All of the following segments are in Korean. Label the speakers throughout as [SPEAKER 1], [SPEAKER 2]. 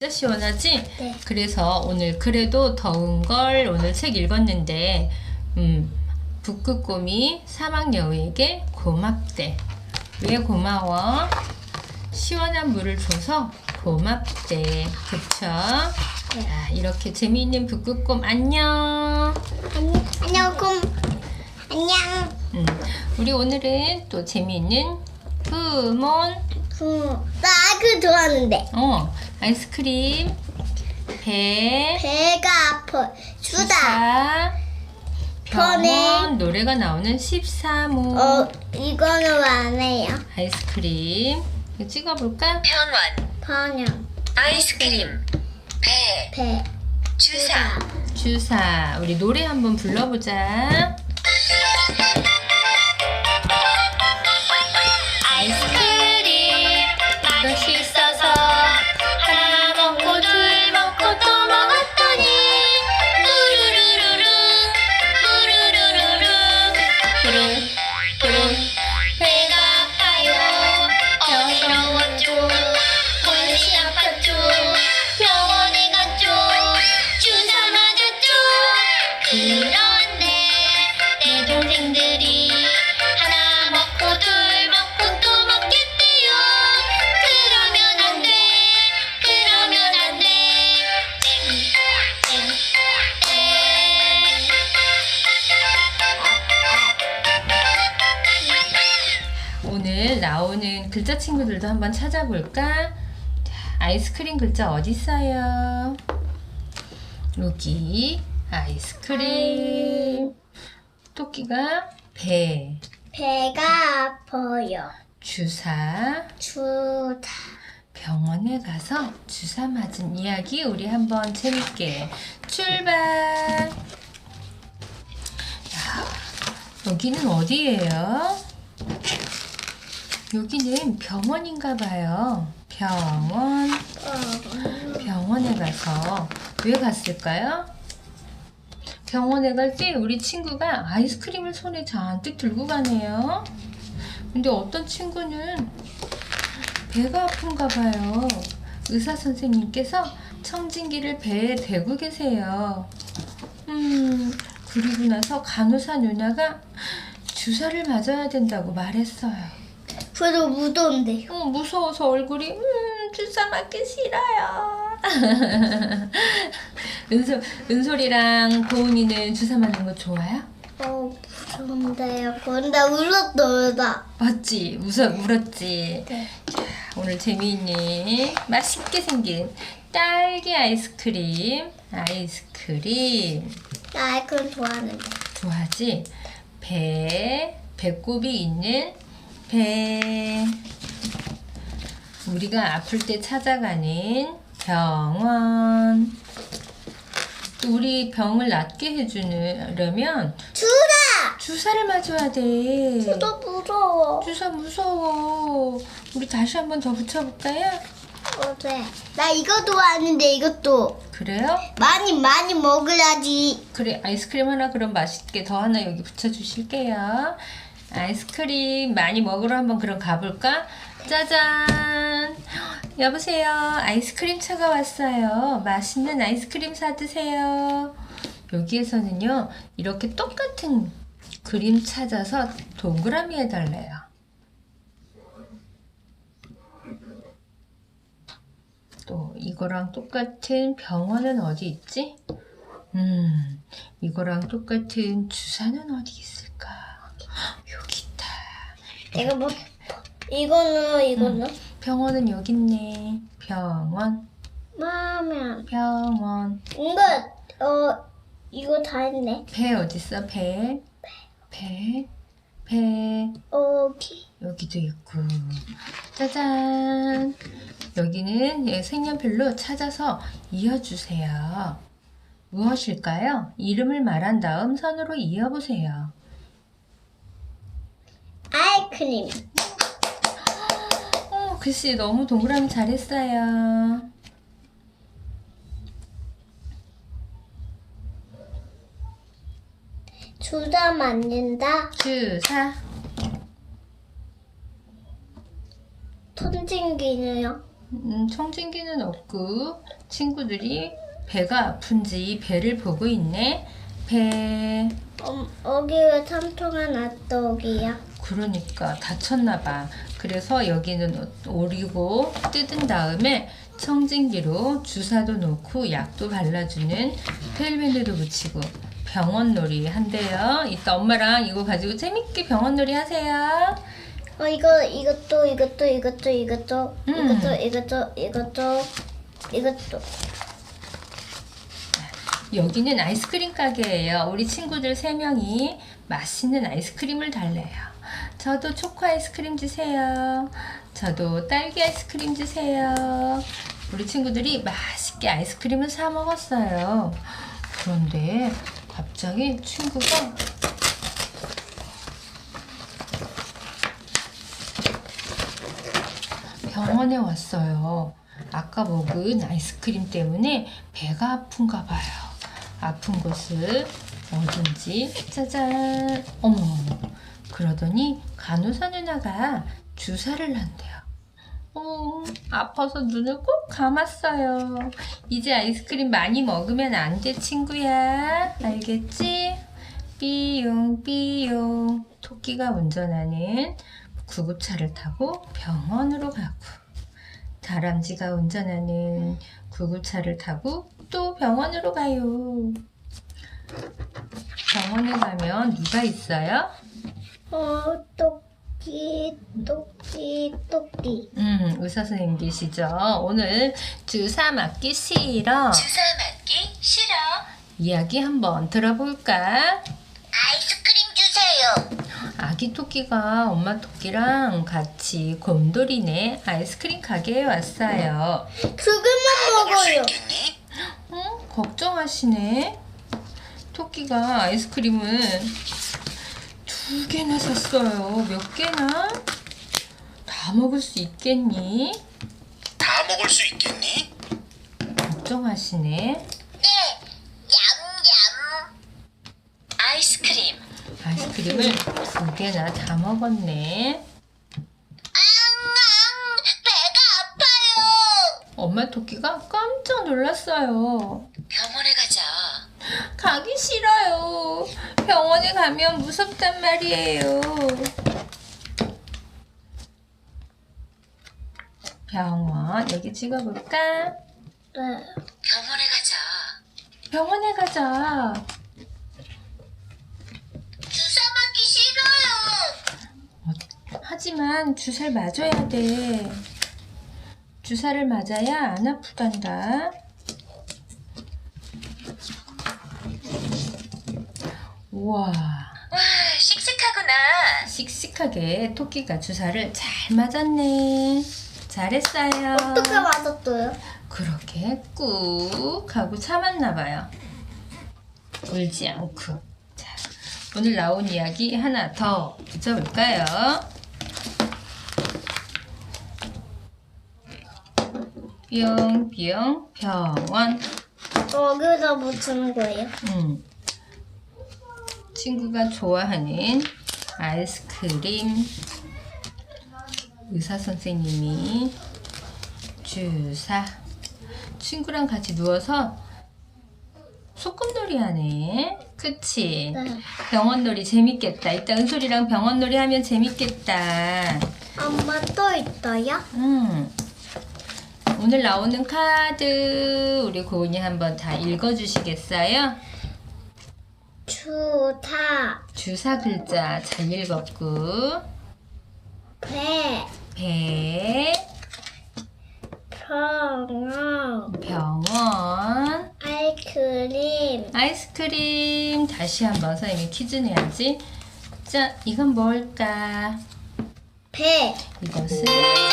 [SPEAKER 1] 진짜 시원하지?
[SPEAKER 2] 네.
[SPEAKER 1] 그래서 오늘 그래도 더운 걸 오늘 책 읽었는데 북극곰이 사막여우에게 고맙대. 왜 고마워? 시원한 물을 줘서 고맙대. 그쵸?
[SPEAKER 2] 네.
[SPEAKER 1] 자, 이렇게 재미있는 북극곰 안녕.
[SPEAKER 2] 안녕, 안녕.
[SPEAKER 1] 우리 오늘은 또 재미있는 부몬
[SPEAKER 2] 나 그 좋아하는데.
[SPEAKER 1] 아이스크림
[SPEAKER 2] 배가 아파. 주다.
[SPEAKER 1] 주사 병원
[SPEAKER 2] 편해.
[SPEAKER 1] 노래가 나오는 13호
[SPEAKER 2] 이거는 안 해요.
[SPEAKER 1] 아이스크림 이거 찍어볼까?
[SPEAKER 3] 병원,
[SPEAKER 2] 번영.
[SPEAKER 3] 아이스크림,
[SPEAKER 2] 배.
[SPEAKER 3] 주사.
[SPEAKER 1] 주사 우리 노래 한번 불러보자.
[SPEAKER 3] 아이스크림 맛있어서 하나 먹고 둘 먹고 또 먹었더니 우르르르르 우르르르르 배가 아파요. 어지러웠죠. 혼이 아팠죠. 병원에 갔죠. 주사 맞았죠. 그런데 내 동생들이 하나 먹고 둘 먹고 또 먹겠대요. 그러면 안 돼. 그러면 안 돼.
[SPEAKER 1] 오늘 나오는 글자 친구들도 한번 찾아볼까? 자, 아이스크림 글자 어디 있어요? 여기 아이스크림. 토끼가 배,
[SPEAKER 2] 배가 아파요.
[SPEAKER 1] 주사,
[SPEAKER 2] 주다.
[SPEAKER 1] 병원에 가서 주사 맞은 이야기 우리 한번 재밌게 출발. 야, 여기는 어디예요? 여기는 병원인가 봐요. 병원에 가서 왜 갔을까요? 병원에 갈 때 우리 친구가 아이스크림을 손에 잔뜩 들고 가네요. 근데 어떤 친구는 배가 아픈가 봐요. 의사 선생님께서 청진기를 배에 대고 계세요. 그리고 나서 간호사 누나가 주사를 맞아야 된다고 말했어요.
[SPEAKER 2] 그래도 무서운데요.
[SPEAKER 1] 무서워서 얼굴이 주사 맞기 싫어요. 은솔이랑 고은이는 주사 맞는 거 좋아요?
[SPEAKER 2] 무서운데요. 근데 울었다.
[SPEAKER 1] 맞지? 울었지?
[SPEAKER 2] 네.
[SPEAKER 1] 자, 오늘 재미있는 맛있게 생긴 딸기 아이스크림
[SPEAKER 2] 나 그건 좋아하는데.
[SPEAKER 1] 좋아하지? 배꼽이 있는 배. 우리가 아플 때 찾아가는 병원. 또 우리 병을 낫게 해주려면
[SPEAKER 2] 주다.
[SPEAKER 1] 주사를 맞아야 돼.
[SPEAKER 2] 너 무서워.
[SPEAKER 1] 주사 무서워. 우리 다시 한번 더 붙여볼까요?
[SPEAKER 2] 네. 나 이거 좋아하는데 이것도
[SPEAKER 1] 그래요?
[SPEAKER 2] 많이 먹어야지.
[SPEAKER 1] 그래, 아이스크림 하나 그럼 맛있게 더 하나 여기 붙여주실게요. 아이스크림 많이 먹으러 한번 그럼 가볼까? 짜잔! 여보세요. 아이스크림 차가 왔어요. 맛있는 아이스크림 사드세요. 여기에서는요, 이렇게 똑같은 그림 찾아서 동그라미 해달래요. 또 이거랑 똑같은 병원은 어디 있지? 이거랑 똑같은 주사는 어디 있을까? 여기 있다.
[SPEAKER 2] 내가 뭐 이거는
[SPEAKER 1] 병원은 여기 있네. 병원.
[SPEAKER 2] 마음에 이거 다 했네.
[SPEAKER 1] 배 어디 있어? 배. 여기도 있고. 짜잔. 여기는 색연필로 찾아서 이어주세요. 무엇일까요? 이름을 말한 다음 선으로 이어보세요.
[SPEAKER 2] 아이스크림.
[SPEAKER 1] 글씨 너무 동그라미 잘했어요.
[SPEAKER 2] 주다 맞는다.
[SPEAKER 1] 주사.
[SPEAKER 2] ton진기는요?
[SPEAKER 1] 청진기는 없고 친구들이 배가 아픈지 배를 보고 있네. 배.
[SPEAKER 2] 여기 왜 삼통한 핫도그야?
[SPEAKER 1] 그러니까 다쳤나 봐. 그래서 여기는 오리고 뜯은 다음에 청진기로 주사도 놓고 약도 발라주는 테일밴드도 붙이고 병원놀이 한대요. 이따 엄마랑 이거 가지고 재밌게 병원놀이 하세요.
[SPEAKER 2] 이것도
[SPEAKER 1] 여기는 아이스크림 가게예요. 우리 친구들 3명이 맛있는 아이스크림을 달래요. 저도 초코 아이스크림 주세요. 저도 딸기 아이스크림 주세요. 우리 친구들이 맛있게 아이스크림을 사 먹었어요. 그런데 갑자기 친구가 병원에 왔어요. 아까 먹은 아이스크림 때문에 배가 아픈가 봐요. 아픈 곳을 어딘지 짜잔. 어머, 그러더니 간호사 누나가 주사를 한대요. 아파서 눈을 꼭 감았어요. 이제 아이스크림 많이 먹으면 안 돼, 친구야. 알겠지? 삐용삐용. 토끼가 운전하는 구급차를 타고 병원으로 가고, 다람쥐가 운전하는 구급차를 타고 또 병원으로 가요. 병원에 가면 누가 있어요?
[SPEAKER 2] 토끼.
[SPEAKER 1] 의사 선생님 계시죠? 오늘 주사 맞기 싫어.
[SPEAKER 3] 주사 맞기 싫어.
[SPEAKER 1] 이야기 한번 들어볼까?
[SPEAKER 3] 아이스크림 주세요.
[SPEAKER 1] 아기 토끼가 엄마 토끼랑 같이 곰돌이네 아이스크림 가게에 왔어요.
[SPEAKER 2] 그것만 먹어요.
[SPEAKER 1] 걱정하시네. 토끼가 아이스크림을 2개나 샀어요. 몇 개나? 다 먹을 수 있겠니?
[SPEAKER 4] 다 먹을 수 있겠니?
[SPEAKER 1] 걱정하시네.
[SPEAKER 3] 네. 얌얌.
[SPEAKER 1] 아이스크림을 2개나 다 먹었네.
[SPEAKER 3] 배가 아파요.
[SPEAKER 1] 엄마 토끼가 깜짝 놀랐어요.
[SPEAKER 3] 병원에 가자.
[SPEAKER 1] 가기 싫어요. 병원에 가면 무섭단 말이에요. 병원 여기 찍어볼까?
[SPEAKER 2] 네.
[SPEAKER 3] 병원에 가자.
[SPEAKER 1] 병원에 가자.
[SPEAKER 3] 주사 맞기 싫어요.
[SPEAKER 1] 하지만 주사를 맞아야 돼. 주사를 맞아야 안 아프단다. 우와,
[SPEAKER 3] 와, 씩씩하구나.
[SPEAKER 1] 씩씩하게 토끼가 주사를 잘 맞았네. 잘했어요.
[SPEAKER 2] 어떻게 맞았어요?
[SPEAKER 1] 그렇게 꾹 하고 참았나 봐요. 울지 않고. 자, 오늘 나온 이야기 하나 더 붙여볼까요? 뿅뿅 병원.
[SPEAKER 2] 여기다 붙이는 거예요?
[SPEAKER 1] 친구가 좋아하는 아이스크림. 의사 선생님이 주사. 친구랑 같이 누워서 소꿉놀이 하네. 그치?
[SPEAKER 2] 네.
[SPEAKER 1] 병원놀이 재밌겠다. 이따 은솔이랑 병원놀이 하면 재밌겠다.
[SPEAKER 2] 엄마 또 있어요?
[SPEAKER 1] 오늘 나오는 카드 우리 고은이 한번 다 읽어주시겠어요? 주사 글자 잘 읽었고,
[SPEAKER 2] 배,
[SPEAKER 1] 배, 병원, 아이스크림. 다시 한번 선생님이 퀴즈 내야지. 자, 이건 뭘까?
[SPEAKER 2] 배,
[SPEAKER 1] 이것은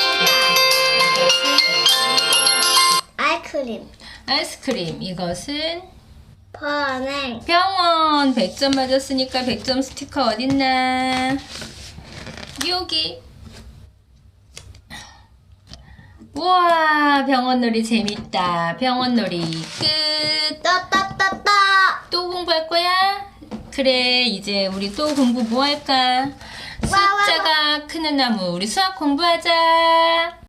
[SPEAKER 1] 아이스크림. 이것은
[SPEAKER 2] 번행,
[SPEAKER 1] 병원. 100점 맞았으니까 100점 스티커 어딨나? 여기. 우와, 병원놀이 재밌다. 병원놀이 끝.
[SPEAKER 2] 따따따따.
[SPEAKER 1] 또 공부할 거야? 그래, 이제 우리 또 공부 뭐 할까? 숫자가 크는 나무, 우리 수학 공부하자.